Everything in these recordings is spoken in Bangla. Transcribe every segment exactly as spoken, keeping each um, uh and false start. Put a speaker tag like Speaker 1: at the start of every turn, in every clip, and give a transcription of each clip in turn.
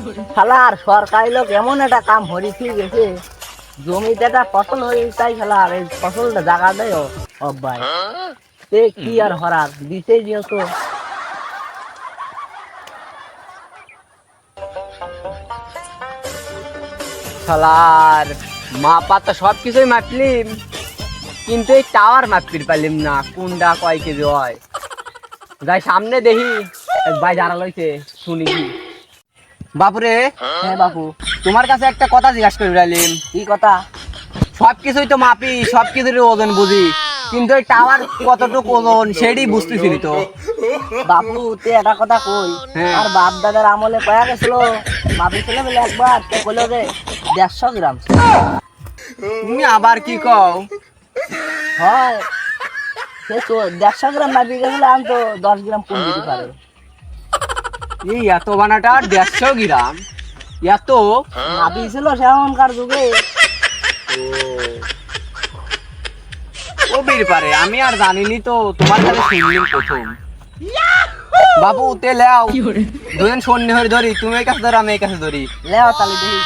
Speaker 1: শালার সরকারি লোক এমন একটা কাম হরি ঠিক গেছে, জমিতে একটা ফসল হয়ে তাই শালার এই ফসলটা জাগা দেয় অব্বাই তে কি আর হরার দিতেই যেহেতু
Speaker 2: শালার মাপা তো সব কিছুই মাপলিম, কিন্তু এই টাওয়ার মাপির পারলিম না কোনটা কয় কেজি হয়। যাই সামনে দেখি এক ভাই যারা লইছে শুনি কি। বাপুরে,
Speaker 1: হ্যাঁ বাপু,
Speaker 2: তোমার কাছে একটা কথা জিজ্ঞাসা করে রাখলিম।
Speaker 1: কি কথা?
Speaker 2: সব কিছুই তো মাপি, সব কিছুরই ওজন বুঝি, কিন্তু এই টাওয়ার কতটুকু ওজন সেটাই বুঝতেছি তো।
Speaker 1: বাপু তে একটা কথা কই,
Speaker 2: হ্যাঁ।
Speaker 1: আর বাপ দাদার আমলে কয়া গেছিল মাপিছিল বলে একবার তো কইলো যে দেড়শো গ্রাম।
Speaker 2: তুমি আবার কি কও?
Speaker 1: হয় সে তো দেড়শো গ্রাম মাপি গেছিল, আমি তো দশ গ্রাম কম দিতে পারে।
Speaker 2: এই এত বানাটা দেড়শো গ্রাম এত
Speaker 1: মাপিছিল সেমনকার যুগে।
Speaker 2: ও বের পারে, আমি আর জানিনি তো, তোমার কাছে শুনলাম প্রথম। বাবু তে লেও দুজন সন্নি হয়ে ধরি, তুমি এই কাছে ধরো আমি এই কাছে ধরি।
Speaker 1: লেও তালি দেখি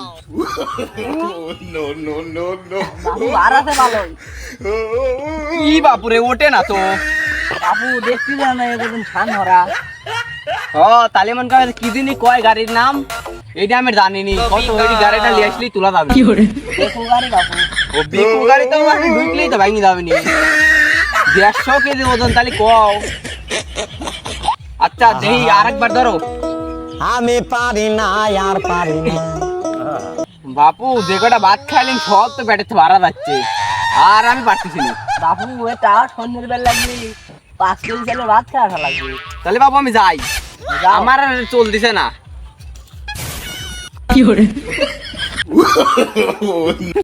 Speaker 1: বাপু আর আছে ভালোই।
Speaker 2: কি বাপুরে ওঠে না তো।
Speaker 1: বাপু দেখছি না এরকম ছান ভরা।
Speaker 2: ও তাহলে মন করে কি দিনই কয় গাড়ির নাম এইটা আমি জানিনি, কত ওই গাড়িটা লিয়ে আসলেই তোলা যাবে।
Speaker 1: দেখো গাড়ি বাপু,
Speaker 2: ও বিকু গাড়ি তো আমি ঢুকলেই তো ভাঙি যাবে নি। দেড়শো কেজি ওজন তাহলে কও। আচ্ছা দেই আরেকবার ধরো।
Speaker 3: আমি পারি না আর পারি না।
Speaker 2: বাপু যে কটা ভাত খাইলেন সব তো পেটে ভাড়া যাচ্ছে, আর আমি পারতেছি না।
Speaker 1: বাপু এটা সন্ধ্যের বেলা লাগবে পাঁচ কেজি চালে ভাত খাওয়া লাগবে।
Speaker 2: তাহলে বাবু আমি যাই,
Speaker 1: যাও।
Speaker 2: আমার আর চলতেছে না।